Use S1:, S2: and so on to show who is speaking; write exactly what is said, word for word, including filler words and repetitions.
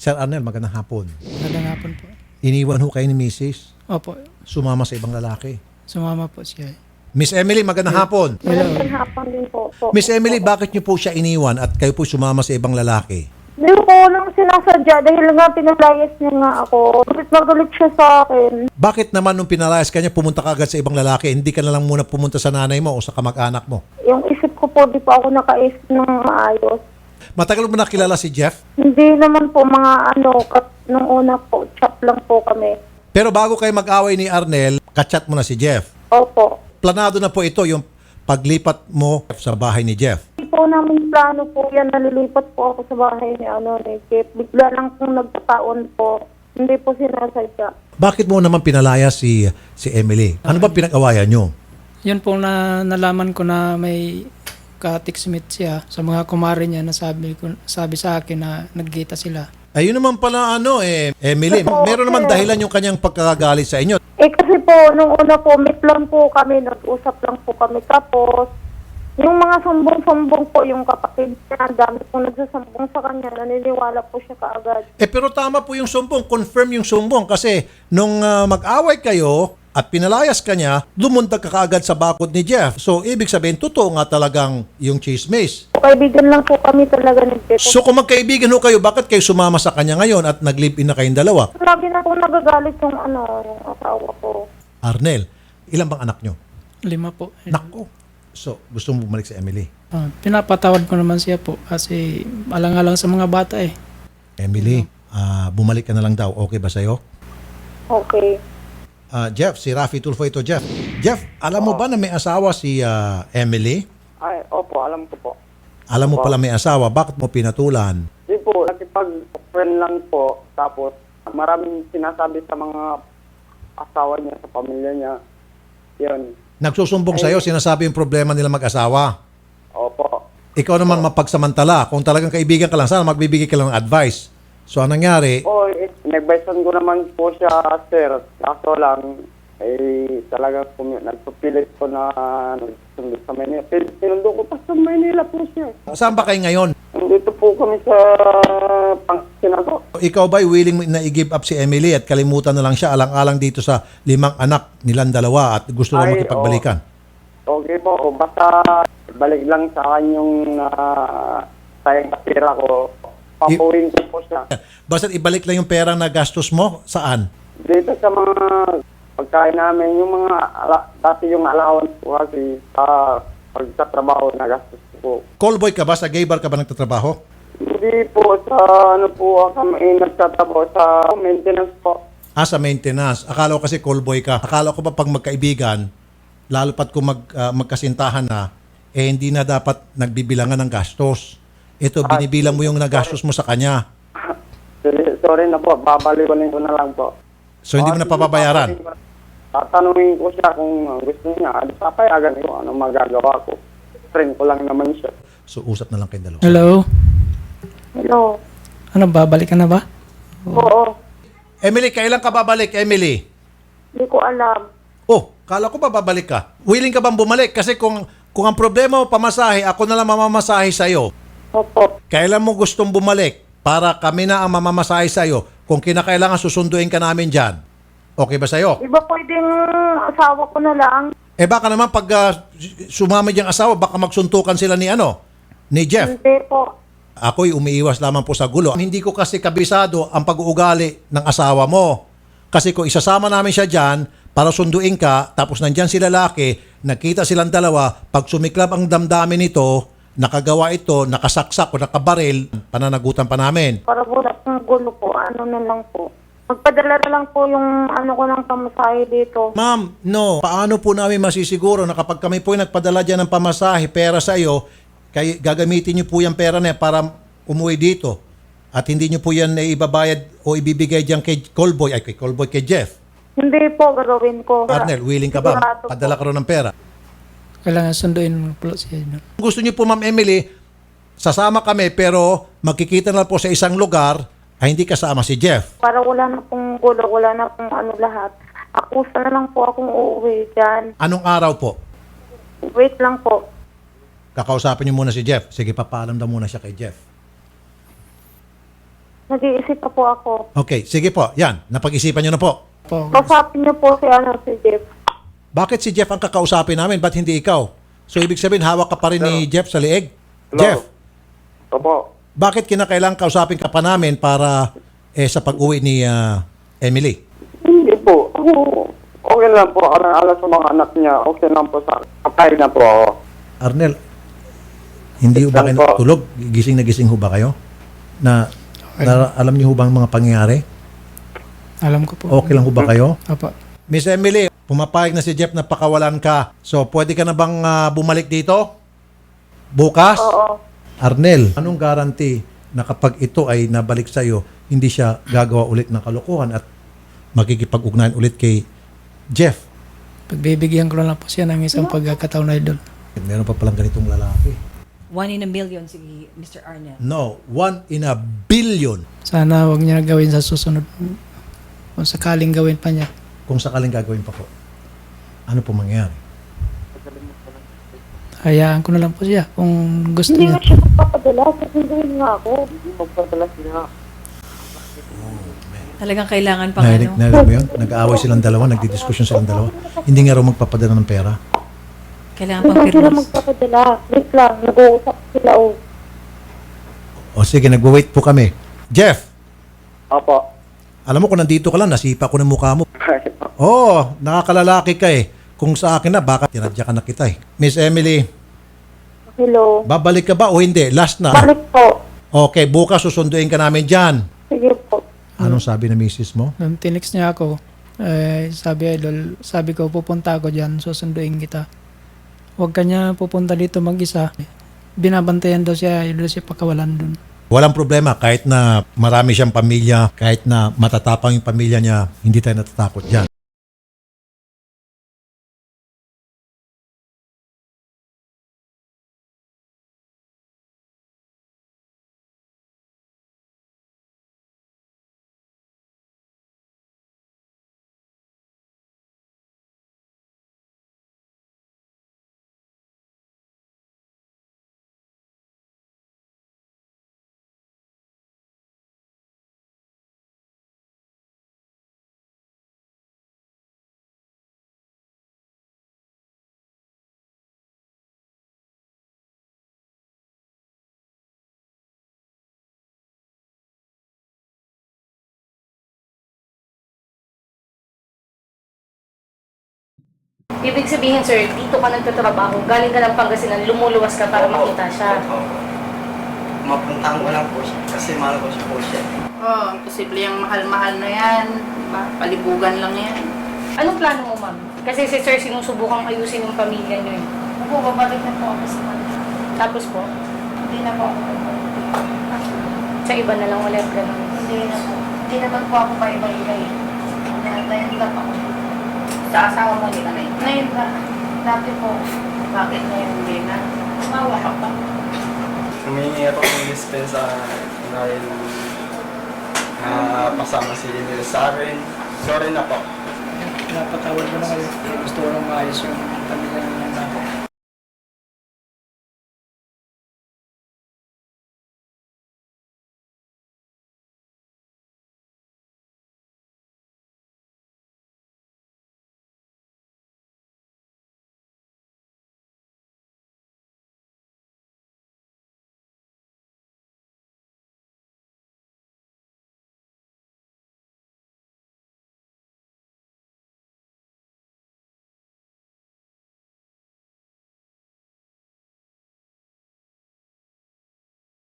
S1: Sir Arnel, magandang hapon.
S2: Magandang hapon po.
S1: Iniwan ho kayo ni Missus
S2: Opo,
S1: Sumama sa ibang lalaki.
S2: sumama po siya.
S1: Miss Emily, magandang hapon.
S2: Hello.
S3: Magandang hapon din po. po.
S1: Miss Emily, bakit niyo po siya iniwan at kayo po sumama sa ibang lalaki?
S3: Hindi ko lang sinasadya dahil nga pinalayas niya nga ako. Galit na galit siya sa akin.
S1: Bakit naman nung pinalayas ka niya, pumunta ka agad sa ibang lalaki? Hindi ka na lang muna pumunta sa nanay mo o sa kamag-anak mo?
S3: Yung isip ko po, di pa ako nakaisip ng maayos.
S1: Matagal mo na kilala si Jeff?
S3: Hindi naman po mga ano, kat, nung una po, chat lang po kami.
S1: Pero bago kayo mag-away ni Arnel, kachat mo na si Jeff.
S3: Opo.
S1: Planado na po ito yung paglipat mo sa bahay ni Jeff.
S3: Hindi po namin plano po yan. Nalilipat po ako sa bahay ni ano ni Jeff. Bigla lang pong nagkataon po. Hindi po sinasadya.
S1: Bakit mo naman pinalaya si si Emily? Ano ba pinag-awayan nyo?
S2: Yun po na nalaman ko na may ka-textmate siya sa mga kumare niya na sabi, ko, sabi sa akin na nagkita sila.
S1: Ayun naman pala ano eh, Emily,
S3: Oo,
S1: meron naman
S3: sir.
S1: dahilan yung kanyang pagkakagalit sa inyo.
S3: Eh kasi po, nung una po, meet lang po kami, nag-usap lang po kami. Tapos, yung mga sumbong-sumbong po, yung kapatid niya, ang dami pong nagsasumbong sa kanya, naniniwala po siya kaagad.
S1: Eh pero tama po yung sumbong, confirm yung sumbong kasi nung ah, mag-away kayo at pinalayas ka niya, lumundag ka kaagad sa bakod ni Jeff. So ibig sabihin, totoo nga talagang yung chismis.
S3: Kaibigan lang po kami talaga ni Jeff.
S1: So kung magkaibigan ho kayo, bakit kayo sumama sa kanya ngayon at nag-live-in na kayong dalawa?
S3: Lagi na po nagagalit yung ano, yung asawa ko.
S1: Arnel, ilan bang anak nyo?
S2: Lima po.
S1: Nako. So gusto mo bumalik sa Emily.
S2: Ah, pinapatawad ko naman siya po kasi alang-alang sa mga bata eh.
S1: Emily, ah, bumalik ka na lang daw. Okay ba sa'yo?
S3: Okay.
S1: Ah, Jeff, si Rafi Tulfo ito, Jeff. Jeff, alam mo ba na may asawa si ah, Emily?
S4: Ay, opo, alam ko po.
S1: Alam mo pala may asawa, bakit mo pinatulan?
S4: Di po, nakipag-friend lang po. Tapos, maraming sinasabi sa mga asawa niya, sa pamilya niya. Yun.
S1: Nagsusumbong sa'yo, sinasabi yung problema nila mag-asawa.
S4: Opo.
S1: Ikaw naman mapagsamantala. Kung talagang kaibigan ka lang, sana magbibigay ka lang ng advice. So, anong nangyari?
S4: O, eh, nag-advisean ko naman po siya, sir. Kaso lang, eh, talaga po, nagpupilit ko na nagsundo sa Manila. Pin- Pinundo ko pa sa Manila po siya.
S1: Saan ba kayo ngayon?
S4: Nandito po kami sa Pangasinan.
S1: Ikaw ba'y willing na i-give up si Emily at kalimutan na lang siya alang-alang dito sa limang anak nilang dalawa at gusto lang
S4: Ay,
S1: makipagbalikan?
S4: Okay po, o, basta balik lang sa akin yung uh, sayang kapira ko. Papuwin ko po siya.
S1: Basta ibalik lang yung pera na gastos mo, saan?
S4: Dito sa mga pagkain namin, yung mga, ala, dati yung allowance ko kasi sa pagtatrabaho na gastos ko.
S1: Callboy ka ba? Sa gay bar ka ba nagtatrabaho?
S4: Hindi po sa ano po kami nagtatrabaho sa maintenance po.
S1: Ah, sa maintenance. Akala ko kasi callboy ka. Akala ko ba pag magkaibigan, lalo pat kung mag, ah, magkasintahan na, eh hindi na dapat nagbibilangan ng gastos. Ito, binibilang mo yung nagastos mo sa kanya.
S4: Sorry, sorry na po, babalikan ko na lang po.
S1: So, hindi mo na papabayaran.
S4: Tatanungin ko siya kung gusto niya. Adi papayagan ko ano magagawa ko. Friend ko lang naman siya.
S1: So, usap na lang kayong dalawa.
S2: Hello?
S3: Hello.
S2: Ano, babalik ka na ba?
S3: Oo.
S1: Emily, kailan ka babalik, Emily?
S3: Hindi ko alam.
S1: Oh, kala ko ba babalik ka? Willing ka bang bumalik? Kasi kung, kung ang problema mo pamasahe, ako na lang mamamasahe sa'yo.
S3: Opo.
S1: Kailan mo gustong bumalik para kami na ang mamamasahe sa'yo? Kung kinakailangan susunduin ka namin dyan. Okay ba sa'yo?
S3: Di ba pwedeng asawa ko na lang?
S1: Eh baka naman pag uh, sumama diyang asawa, baka magsuntukan sila ni ano? Ni Jeff.
S3: Hindi po.
S1: Ako'y umiiwas lamang po sa gulo. Hindi ko kasi kabisado ang pag-uugali ng asawa mo. Kasi kung isasama namin siya dyan para sunduin ka, tapos nandyan si lalaki, nakita silang dalawa, pag sumiklab ang damdamin nito, nakagawa ito, nakasaksak o nakabaril, pananagutan pa namin.
S3: Para wala pong gulo po, ano na lang po. Magpadala na lang po yung ano ko ng pamasahe dito.
S1: Ma'am, no. Paano po namin masisiguro na kapag kami po yung nagpadala dyan ng pamasahe, pera sa iyo, kay, gagamitin niyo po yung pera na yan para umuwi dito. At hindi niyo po yan na ibabayad o ibibigay dyan kay Callboy, ay kay Callboy, kay Jeff.
S3: Hindi po, gagawin ko.
S1: Arnel, willing ka ba?
S3: Sigurado po.
S1: Padala ka rin ng pera.
S2: Kailangan sunduin mo po siya. No?
S1: Kung gusto niyo po, Ma'am Emily, sasama kami pero magkikita na po sa isang lugar ay hindi kasama si Jeff.
S3: Para wala na pong gulo, wala na pong ano lahat. Akusa na lang po akong uuwi dyan.
S1: Anong araw po?
S3: Wait lang po.
S1: Kakausapin niyo muna si Jeff. Sige, papaalam daw muna siya kay Jeff.
S3: Nag-iisip pa po ako.
S1: Okay, sige po. Yan, napag-isipan nyo na po.
S2: Po,
S3: Kausapin niyo po si, ano, si Jeff.
S1: Bakit si Jeff ang kakausapin namin? Ba't hindi ikaw? So, ibig sabihin, hawak ka pa rin ni Jeff sa liig?
S4: Hello?
S1: Jeff,
S4: Opo.
S1: bakit kinakailangan kausapin ka pa namin para eh, sa pag-uwi ni ah, Emily?
S4: Hindi po. Ako, okay lang po. Ako nang alas sa mga anak niya. Okay lang po sa kapay na po ako.
S1: Arnel, hindi ho ba
S4: Saan
S1: kayo
S4: po?
S1: tulog? Gising na gising ho ba kayo? Na, na alam niyo ho ba ang mga pangyayari?
S2: alam ko po.
S1: Okay lang ho ba kayo?
S2: Opo.
S1: Miss Emily, pumapayag na si Jeff na pakawalan ka. So, pwede ka na bang ah, bumalik dito? Bukas?
S3: Oo.
S1: Arnel, anong guarantee na kapag ito ay nabalik sa iyo, hindi siya gagawa ulit ng kalokohan at makikipag-ugnayan ulit kay Jeff?
S2: Pagbibigyan ko lang po siya ng isang pagkakataon na idol.
S1: Meron pa palang ganitong lalaki.
S5: One in a million si Mister Arnel.
S1: No, one in a billion.
S2: Sana wag niya gawin sa susunod. Kung sakaling gawin pa niya.
S1: Kung sakaling gagawin pa po, ano po mangyayari?
S2: Hayaan ko na lang po siya kung gusto
S3: Hindi
S2: niya.
S3: nga siya magpapadala. Sasunduin nga ako.
S4: Magpadala siya.
S5: Talagang kailangan pang
S1: Narinig,
S5: ano.
S1: narinig mo yun? Nag-aaway silang dalawa, nagdidiskusyon silang dalawa. Hindi nga raw magpapadala ng pera.
S5: Kailangan
S3: Hindi
S5: pang
S3: nga sila
S5: pirmis.
S3: magpapadala. Wait lang. Nag-uusap sila, oh.
S1: O sige, nagwa-wait po kami. Jeff,
S4: Opo.
S1: alam mo kung nandito ka lang, nasipa ko ng mukha mo. Oo, oh, nakakalalaki ka eh. Kung sa akin na, baka tinadya ka na kita eh. Miss Emily,
S3: Hello.
S1: babalik ka ba o hindi? Last na.
S3: Balik po.
S1: Okay, bukas susunduin ka namin dyan.
S3: Sige po.
S1: Anong sabi ng misis mo?
S2: Nung tinext niya ako, eh, sabi idol, sabi ko pupunta ako dyan, susunduin kita. Huwag ka niya pupunta dito mag-isa. Binabantayan daw siya, idol siya pakawalan dun.
S1: Walang problema, kahit na marami siyang pamilya, kahit na matatapang yung pamilya niya, hindi tayo natatakot dyan.
S6: Ibig sabihin, sir, dito ka nagtatrabaho, galing ka ng Pangasinan, lumuluwas ka para makita siya.
S7: Mapuntahan ko lang po siya kasi mahal ko siya po siya.
S8: Oo, oh, posible yung mahal-mahal na yan. Diba? Palibugan lang yan.
S6: Anong plano mo, ma'am? Kasi si sir, sinusubukang ayusin yung pamilya niyo eh.
S8: Opo, babalik na po ako sa kanila.
S6: Tapos po,
S8: Hindi na po ako babalik.
S6: sa iba na lang ulit, gano'n.
S8: Hindi na po. Hindi naman po ako pa iba-iba eh. Ngayon lang ako. Sa asawa mo, hindi ka na yun. Ngayon lang. Dati po. Bakit ngayon hindi na? Mawa ka pa.
S7: Humingi ako ng dispensa dahil na pasama si Emil sa akin. Sorry na po.
S2: Napatawad ko na kayo. Gusto ko lang maayos yung pamilya niya natin.